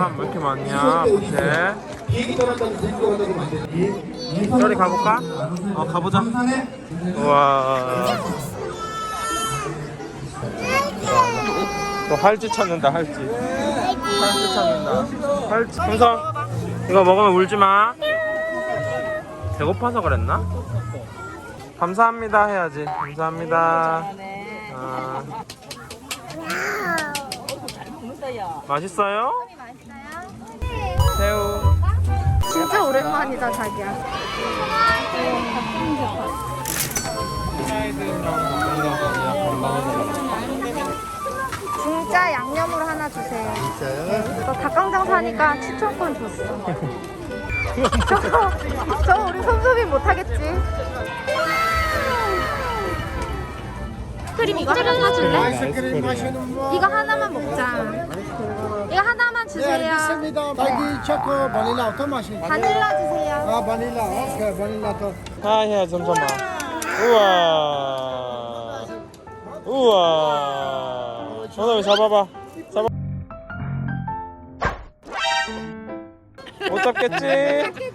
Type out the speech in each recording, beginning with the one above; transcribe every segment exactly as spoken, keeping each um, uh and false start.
사람 왜 이렇게 많냐? 네. 저리 가볼까? 어, 가보자. 우와. 또 할지 찾는다, 할지. 할지 찾는다. 할지. 풍선, 이거 먹으면 울지 마. 배고파서 그랬나? 감사합니다 해야지. 감사합니다. 아. 맛있어요? 새우. 진짜 오랜만이다 자기야. 진짜 양념으로 하나 주세요. 진짜요? 너 닭강정 사니까 추천권 줬어. 저거, 저거 우리 솜솜이 못하겠지? 크림 이거 하나 사줄래? 이거 하나만 먹자. 이거 하나만 주세요. 딸기 초코 바닐라 어떤 맛이? 바닐라 주세요. 아 바닐라. 오케이 바닐라 더. 아 해야 잠깐만. 우와. 우와. 전화기 잡아봐. 잡아. 못 잡겠지?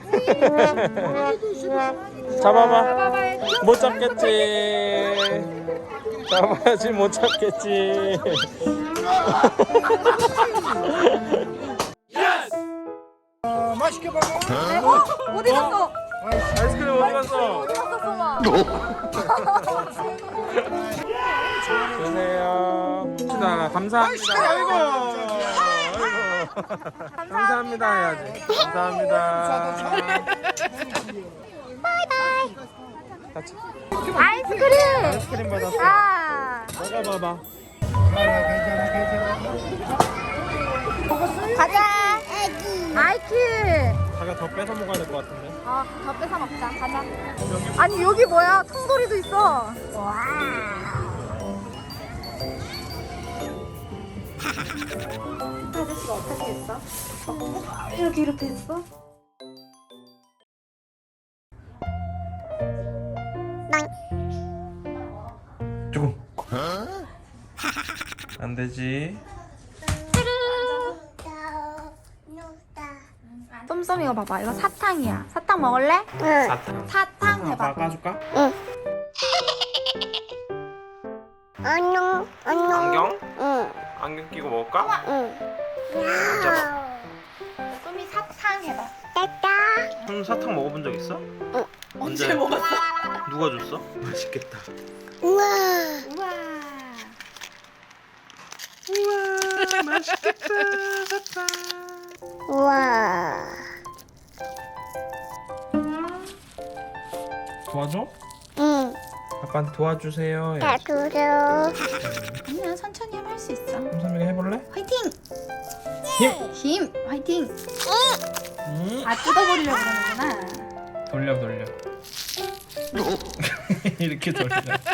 잡아봐. 못 잡겠지? 잡아야지 못 잡겠지? 어, 맛있게 먹어. 어? 어디 갔어? 아이스크림 어디 갔어? 어디 갔어, 소마? 주세요. 자, 감사합니다. 아이고. 아이고. 감사합니다 해야지. 감사합니다. 바이바이. 같이. 아이스크림. 아이스크림 받았어. 아. 먹어봐봐. 가자. 아이키. 자기가 더 뺏어 먹어야 될 것 같은데. 어, 더 뺏어 먹자. 가자. 아니 여기 뭐야? 통돌이도 있어. 와. 아저씨가 어떻게 했어? 이렇게 이렇게 했어? 조금. 안 되지. 쏨쏨 이거 봐봐. 이거 사탕이야. 사탕 먹을래? 사탕. 사탕 해봐. 바꿔줄까? 안녕, 안녕. 안경? 응, 안경 끼고 먹을까? 응. 쏨이 사탕 해봐. 따따. 형 사탕 먹어본 적 있어? 응. 언제 먹었어? 누가 줬어? 맛있겠다. 우와. 우와. 우와 맛있겠다 사탕. 우와. 도와줘? 응. 아빠한테 도와주세요. 다 들어. 아니야, 천천히 하면 할 수 있어. 삼삼이가 해볼래? 화이팅! 힘! 힘! 화이팅! 음. 다 뜯어버리려고 그러는구나. 돌려 돌려. 이렇게 돌려.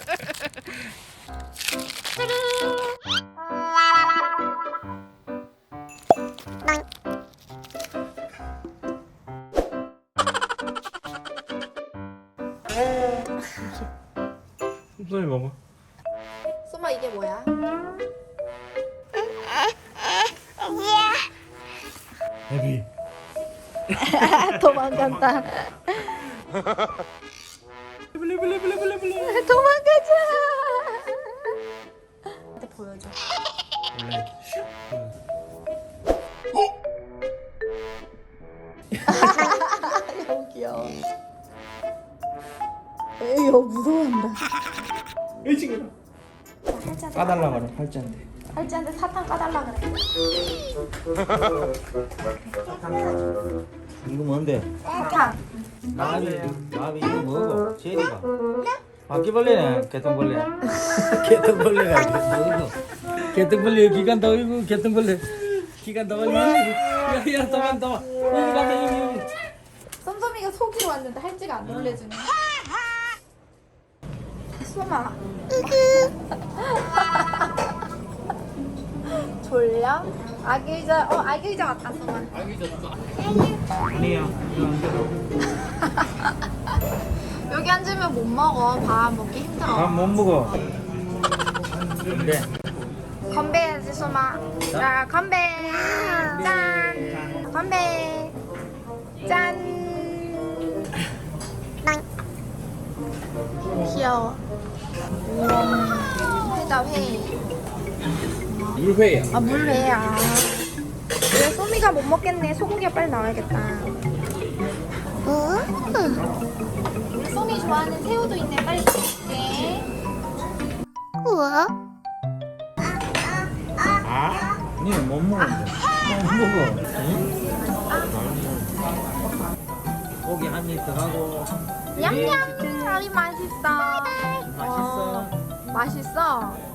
솜솜이 먹어. 쏘마 이게 뭐야? 여기. 도망간다. 블레블레블레블레블레. 도망가자. 나한테 보여줘. 원래 너무 귀여워. 에이, 여 무서워한다. 일찍이라. 팔자한테 까달라 그래 팔자인데. 팔자한테 사탕 까달라 그래. 이거 뭔데? 사탕. 나비, 나비 이거 뭐고? 제리가. 바퀴벌레네, 개똥벌레. 개똥벌레가 이거 뭐고? 개똥벌레 기간 더 이거 개똥벌레. 기간 더 여기. 야야 더만 더. 여기 간다 여기 여기. 쏨쏨이가 속이로 왔는데 할지가 안 놀래주네. 쏘마. 졸려? 아기 의자, 어 아기 의자 왔다 쏘마. 아니야. 이거 안 돼. 여기 앉으면 못 먹어. 밥 먹기 힘들어. 밥못 먹어. 근데 건배해야지 먹어야지 소마. 자 건배. 짠. 건배. 짠. 귀여워. 회다 회. 물회야. 아 물회야. 왜 소미가 못 먹겠네. 소고기가 빨리 나와야겠다. 우리 소미 좋아하는 새우도 있네. 빨리 먹을게. 우와. 니는 못 먹어. 못 먹어. 응? 고기 한 입 더 하고. 냠냠. 아이 맛있어. 맛있어. 어, 맛있어.